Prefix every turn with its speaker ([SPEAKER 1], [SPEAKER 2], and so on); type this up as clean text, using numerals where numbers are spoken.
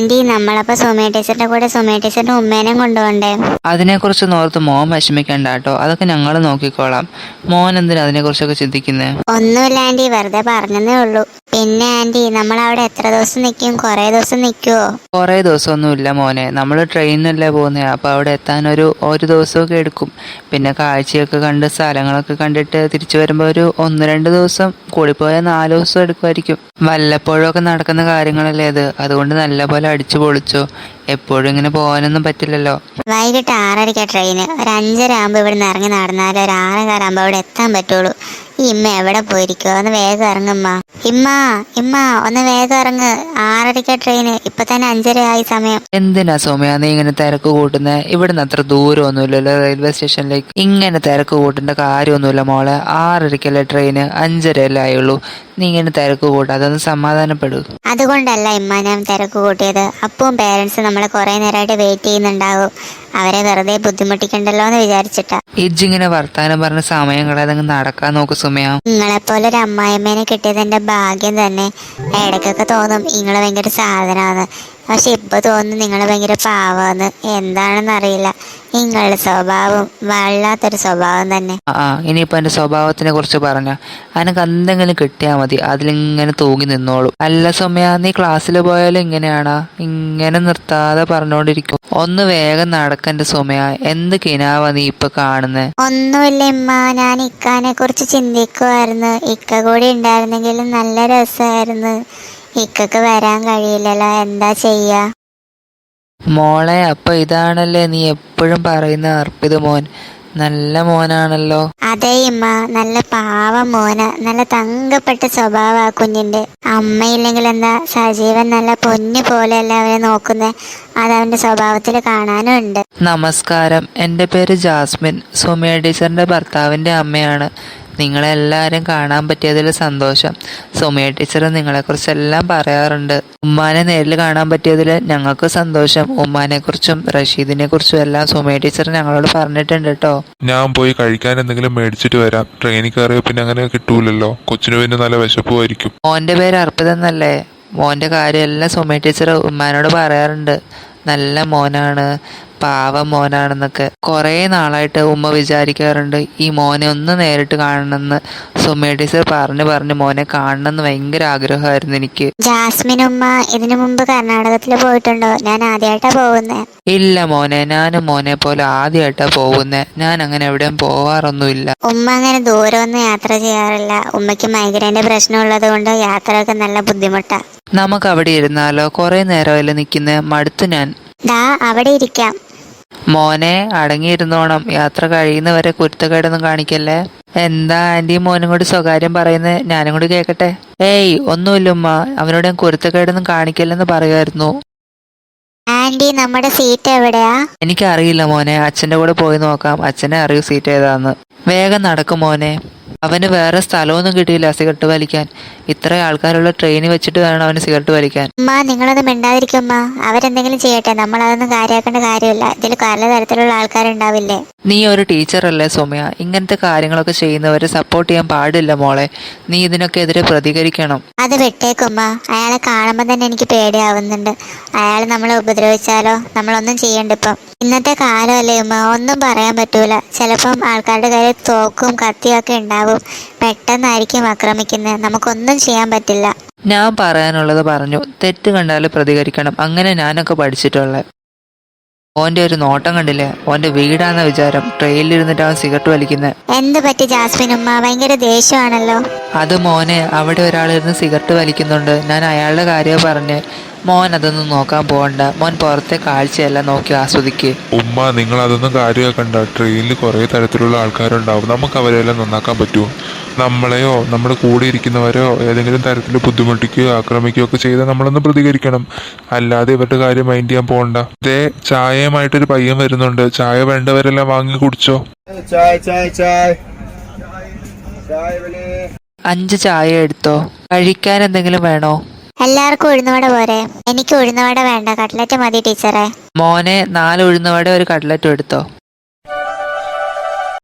[SPEAKER 1] Anti നമ്മളപ്പോ സുമേ ടീച്ചറിന്റെ കൂടെ സുമേ ടീച്ചറിന്റെ ഉമ്മേനെയും കൊണ്ടുപോണ്ടേ?
[SPEAKER 2] അതിനെക്കുറിച്ച് ഓർത്ത് മോൻ വിഷമിക്കണ്ട കേട്ടോ, അതൊക്കെ ഞങ്ങൾ നോക്കിക്കോളാം. മോൻ എന്തിനാ അതിനെക്കുറിച്ചൊക്കെ ചിന്തിക്കുന്നേ?
[SPEAKER 1] ഒന്നുമില്ല ആന്റി, വെറുതെ പറഞ്ഞതേ ഉള്ളൂ. പിന്നെ ആന്റി നമ്മൾ അവിടെ എത്ര ദിവസം നിൽക്കും? കുറേ ദിവസം നിൽക്കുവോ?
[SPEAKER 2] കുറേ ദിവസമൊന്നുമില്ല മോനെ, നമ്മൾ ട്രെയിനിനല്ലേ പോകുന്നത്. അപ്പോൾ അവിടെ എത്താൻ ഒരു ദിവസമൊക്കെ എടുക്കും. പിന്നെ കാഴ്ചയൊക്കെ കണ്ട് സ്ഥലങ്ങളൊക്കെ കണ്ടിട്ട് തിരിച്ചു വരുമ്പോൾ ഒരു 1-2 ദിവസം, കൂടിപ്പോയാൽ 4 ദിവസം എടുക്കുമായിരിക്കും. വല്ലപ്പോഴൊക്കെ നടക്കുന്ന കാര്യങ്ങളല്ലേ അത്, അതുകൊണ്ട് നല്ലപോലെ അടിച്ചു പൊളിച്ചോ. എപ്പോഴും ഇങ്ങനെ പോകാനൊന്നും പറ്റില്ലല്ലോ.
[SPEAKER 1] വൈകിട്ട് 6:30 ട്രെയിന്. ഒരു 5:30 ആകുമ്പോൾ ഇവിടെ നിന്ന് ഇറങ്ങി നടന്നാലും ഒരു 6:15 ആകുമ്പോൾ അവിടെ എത്താൻ പറ്റുള്ളൂ. ഈ ഇമ്മ എവിടെ പോയിരിക്കോ? ഒന്ന് വേഗം ഇറങ്ങുമ്മ. ഇമ്മ ഇമ്മ ഒന്ന് വേഗം ഇറങ്ങ്. 6:30 ട്രെയിന്, ഇപ്പൊ തന്നെ 5:30 ആയി സമയം.
[SPEAKER 2] എന്തിനാ സൗമ്യ നീ ഇങ്ങനെ തിരക്ക് കൂട്ടുന്നത്? ഇവിടുന്ന് അത്ര ദൂരമൊന്നുമില്ലല്ലോ റെയിൽവേ സ്റ്റേഷനിലേക്ക്. ഇങ്ങനെ തിരക്ക് കൂട്ടേണ്ട കാര്യമൊന്നുമില്ല മോളെ. 6:30 ട്രെയിന്, 5:30 ആയുള്ളൂ. നീ ഇങ്ങനെ തിരക്ക് കൂട്ടാ, അതൊന്ന് സമാധാനപ്പെടൂ.
[SPEAKER 1] അതുകൊണ്ടല്ല ഇമ്മ ഞാൻ തിരക്ക് കൂട്ടിയത്. അപ്പവും പേരൻസ് നമ്മളെ കുറെ നേരമായിട്ട് വെയിറ്റ് ചെയ്യുന്നുണ്ടാവും. അവരെ വെറുതെ ബുദ്ധിമുട്ടിക്കണ്ടല്ലോ എന്ന് വിചാരിച്ചിട്ടാ.
[SPEAKER 2] ഇജ്ജിങ്ങനെ വർത്താനം പറഞ്ഞ സമയം കളയാതെ നടക്കാൻ നോക്ക് സുമയ.
[SPEAKER 1] നിങ്ങളെപ്പോലെ ഒരു അമ്മായിമ്മേനെ കിട്ടിയത് എന്റെ ഭാഗ്യം തന്നെ. ഇടയ്ക്കൊക്കെ തോന്നും നിങ്ങള് ഭയങ്കര സാധനമാണ്, പക്ഷെ ഇപ്പൊ തോന്നുന്നു നിങ്ങള് ഭയങ്കര പാവാന്ന്. എന്താണെന്ന് അറിയില്ല, നിങ്ങളുടെ സ്വഭാവം വല്ലാത്തൊരു സ്വഭാവം തന്നെ.
[SPEAKER 2] ഇനിയിപ്പോ എന്റെ സ്വഭാവത്തിനെ കുറിച്ച് പറഞ്ഞ അനക്ക് എന്തെങ്കിലും കിട്ടിയാൽ മതി, അതിലിങ്ങനെ തൂങ്ങി നിന്നോളൂ. അല്ല സൗമ്യ, നീ ക്ലാസ്സിൽ പോയാലും ഇങ്ങനെയാണാ? ഇങ്ങനെ നിർത്താതെ പറഞ്ഞോണ്ടിരിക്കും. ഒന്ന് വേഗം നടക്കന്റെ സൗമ്യ. എന്ത് കിനാവാ നീ ഇപ്പൊ കാണുന്നേ?
[SPEAKER 1] ഒന്നുമില്ല ഇമ്മ, ഞാൻ ഇക്കാനെ കുറിച്ച് ചിന്തിക്കുമായിരുന്നു. ഇക്ക കൂടി ഉണ്ടായിരുന്നെങ്കിലും നല്ല രസമായിരുന്നു. ഇക്കക്ക് വരാൻ കഴിയില്ലല്ലോ, എന്താ ചെയ്യാ?
[SPEAKER 2] മോളെ, അപ്പൊ ഇതാണല്ലേ നീ എപ്പോഴും പറയുന്ന അർപ്പിത് മോൻ? നല്ല മോനാണല്ലോ.
[SPEAKER 1] അതെ ഇമ്മ, നല്ല പാവ മോന. നല്ല തങ്കപ്പെട്ട സ്വഭാവ കുഞ്ഞിന്റെ. അമ്മയില്ലെങ്കിൽ എന്താ, സജീവൻ നല്ല പൊന്നു പോലെയല്ല അവനെ നോക്കുന്നേ. അതവന്റെ സ്വഭാവത്തിൽ കാണാനും ഉണ്ട്.
[SPEAKER 2] നമസ്കാരം, എൻ്റെ പേര് ജാസ്മിൻ, സൗമ്യ ടീച്ചറിന്റെ ഭർത്താവിന്റെ അമ്മയാണ്. നിങ്ങളെല്ലാവരും കാണാൻ പറ്റിയതിൽ സന്തോഷം. സൗമ്യ ടീച്ചർ നിങ്ങളെക്കുറിച്ചെല്ലാം പറയാറുണ്ട്. ഉമ്മാനെ നേരിൽ കാണാൻ പറ്റിയതിൽ ഞങ്ങൾക്ക് സന്തോഷം. ഉമ്മാനെ കുറിച്ചും റഷീദിനെ കുറിച്ചും എല്ലാം സൗമ്യ ടീച്ചർ ഞങ്ങളോട് പറഞ്ഞിട്ടുണ്ട് കേട്ടോ.
[SPEAKER 3] ഞാൻ പോയി കഴിക്കാൻ എന്തെങ്കിലും മേടിച്ചിട്ട് വരാം. ട്രെയിനിൽ കയറിയ പിന്നെ അങ്ങനെ കിട്ടൂലല്ലോ. കൊച്ചിന് പിന്നെ നല്ല വിശപ്പുമായിരിക്കും.
[SPEAKER 2] മോന്റെ പേര് അർപ്പിതെന്നല്ലേ? മോന്റെ കാര്യമെല്ലാം സൗമ്യ ടീച്ചർ ഉമ്മാനോട് പറയാറുണ്ട്. നല്ല മോനാണ്, പാവ മോനാണെന്നൊക്കെ. കുറേ നാളായിട്ട് ഉമ്മ വിചാരിക്കാറുണ്ട് ഈ മോനെ ഒന്ന് നേരിട്ട് കാണണമെന്ന്. സൗമ്യ ടീച്ചർ പറഞ്ഞ് മോനെ കാണണമെന്ന് ഭയങ്കര ആഗ്രഹമായിരുന്നു എനിക്ക്.
[SPEAKER 1] ജാസ്മിൻ ഉമ്മ ഇതിനു മുമ്പ് കർണാടകത്തിൽ പോയിട്ടുണ്ടോ? ഞാൻ ആദ്യമായിട്ടാ പോകുന്നേ.
[SPEAKER 2] ഇല്ല മോനെ, ഞാനും മോനെ പോലെ ആദ്യമായിട്ടാ പോകുന്നേ. ഞാൻ അങ്ങനെ എവിടെയും പോവാറൊന്നുമില്ല.
[SPEAKER 1] ഉമ്മ അങ്ങനെ ദൂരമൊന്നും യാത്ര ചെയ്യാറില്ല. ഉമ്മയ്ക്ക് മൈഗ്രൈൻ്റെ പ്രശ്നമുള്ളത് കൊണ്ട് യാത്രയൊക്കെ നല്ല ബുദ്ധിമുട്ടാ.
[SPEAKER 2] നമുക്ക് അവിടെ ഇരുന്നാലോ? കുറെ നേരമല്ലേ നിൽക്കുന്നേ, മടുത്തു ഞാൻ.
[SPEAKER 1] ദാ അവിടെ ഇരിക്കാം.
[SPEAKER 2] മോനെ അടങ്ങിയിരുന്നോണം, യാത്ര കഴിയുന്നവരെ കുരുത്തക്കേടൊന്നും കാണിക്കല്ലേ. എന്താ ആന്റി മോനും കൂടി സ്വകാര്യം പറയുന്നേ? ഞാനും കൂടി കേക്കട്ടെ. ഏയ് ഒന്നുമില്ല ഉമ്മ, അവനോട് ഞാൻ കുരുത്തക്കേടൊന്നും കാണിക്കല്ലെന്ന് പറയുമായിരുന്നു.
[SPEAKER 1] ആന്റി നമ്മുടെ സീറ്റ് എവിടെയാ?
[SPEAKER 2] എനിക്കറിയില്ല മോനെ, അച്ഛൻ്റെ കൂടെ പോയി നോക്കാം. അച്ഛനെ അറിയൂ സീറ്റ് ഏതാന്ന്. വേഗം നടക്കും മോനെ. അവന് വേറെ സ്ഥലമൊന്നും കിട്ടിയില്ല സിഗരറ്റ് വലിക്കാൻ. ഇത്ര ആൾക്കാരുള്ള ട്രെയിനിൽ വെച്ചിട്ട് വേണം അവന് സിഗരറ്റ് വലിക്കാൻ.
[SPEAKER 1] ഉമ്മ നിങ്ങളൊന്നും മിണ്ടാതിരിക്കുമ്മ. അവരെന്തെങ്കിലും ചെയ്യട്ടെ, നമ്മൾ അതൊന്നും കാര്യമാക്കേണ്ട കാര്യമില്ല. ഇതിൽ പലതരത്തിലുള്ള ആൾക്കാരുണ്ടാവില്ലേ.
[SPEAKER 2] നീ ഒരു ടീച്ചറല്ലേ സൗമ്യ? ഇങ്ങനത്തെ കാര്യങ്ങളൊക്കെ ചെയ്യുന്നവരെ സപ്പോർട്ട് ചെയ്യാൻ പാടില്ല മോളെ. നീ ഇതിനൊക്കെ എതിരെ പ്രതികരിക്കണം.
[SPEAKER 1] അത് വിട്ടേക്കുമ്മ. അയാളെ കാണുമ്പോൾ തന്നെ എനിക്ക് പേടിയാവുന്നുണ്ട്. അയാൾ നമ്മളെ ഉപദ്രവിച്ചാലോ? നമ്മളൊന്നും ചെയ്യണ്ട. ഇപ്പം ഇന്നത്തെ കാലമല്ലേ ഉമ്മ, ഒന്നും പറയാൻ പറ്റൂല. ചിലപ്പം ആൾക്കാരുടെ കയ്യിൽ തോക്കും കത്തിയും ഒക്കെ ഉണ്ടാവും. പെട്ടെന്നായിരിക്കും ആക്രമിക്കുന്നത്. നമുക്കൊന്നും ചെയ്യാൻ പറ്റില്ല.
[SPEAKER 2] ഞാൻ പറയാനുള്ളത് പറഞ്ഞു. തെറ്റ് കണ്ടാൽ പ്രതികരിക്കണം. അങ്ങനെ ഞാനൊക്കെ പഠിച്ചിട്ടുള്ളത്. ഓന്റെ ഒരു നോട്ടം കണ്ടില്ലേ? ഓന്റെ വീടാന്ന വിചാരം. ട്രെയിനിലിരുന്നിട്ട് അവൻ സിഗരറ്റ് വലിക്കുന്നത്.
[SPEAKER 1] എന്ത് പറ്റി ജാസ്മിൻ ഉമ്മ? ഭയങ്കര ദേഷ്യമാണല്ലോ.
[SPEAKER 2] അത് മോനെ, അവിടെ ഒരാളിരുന്ന് സിഗരറ്റ് വലിക്കുന്നുണ്ട്. ഞാൻ അയാളുടെ കാര്യമാണ് പറഞ്ഞ്. മോൻ അതൊന്നും നോക്കാൻ പോകണ്ട. മോൻ പുറത്തെ കാഴ്ചയെല്ലാം നോക്കി ആസ്വദിക്ക്.
[SPEAKER 3] ഉമ്മ, നിങ്ങൾ അതൊന്നും കാര്യമാക്കണ്ട. ട്രെയിനിൽ കുറേ തരത്തിലുള്ള ആൾക്കാരുണ്ടാവും. നമുക്ക് അവരെല്ലാം നന്നാക്കാൻ പറ്റുമോ? നമ്മളെയോ നമ്മുടെ കൂടെ ഇരിക്കുന്നവരോ ഏതെങ്കിലും തരത്തിൽ ബുദ്ധിമുട്ടിക്കുകയോ ആക്രമിക്കുകയോ ഒക്കെ ചെയ്താൽ നമ്മളൊന്ന് പ്രതികരിക്കണം. അല്ലാതെ ഇവരുടെ കാര്യം മൈൻഡ് ചെയ്യാൻ പോകണ്ട. ഇതേ ചായയുമായിട്ടൊരു പയ്യൻ വരുന്നുണ്ട്. ചായ വേണ്ടവരെല്ലാം വാങ്ങി കുടിച്ചോ.
[SPEAKER 2] 5 ചായ എടുത്തോ. കഴിക്കാൻ എന്തെങ്കിലും വേണോ?
[SPEAKER 1] എല്ലാവർക്കും ഉഴുന്നുവട പോരെ? എനിക്ക് ഉഴുന്നുവട വേണ്ട, കട്ട്ലറ്റ് മതി ടീച്ചറെ.
[SPEAKER 2] മോനെ 4 ഉഴുന്നുവട ഒരു കട്ട്ലറ്റും എടുത്തോ.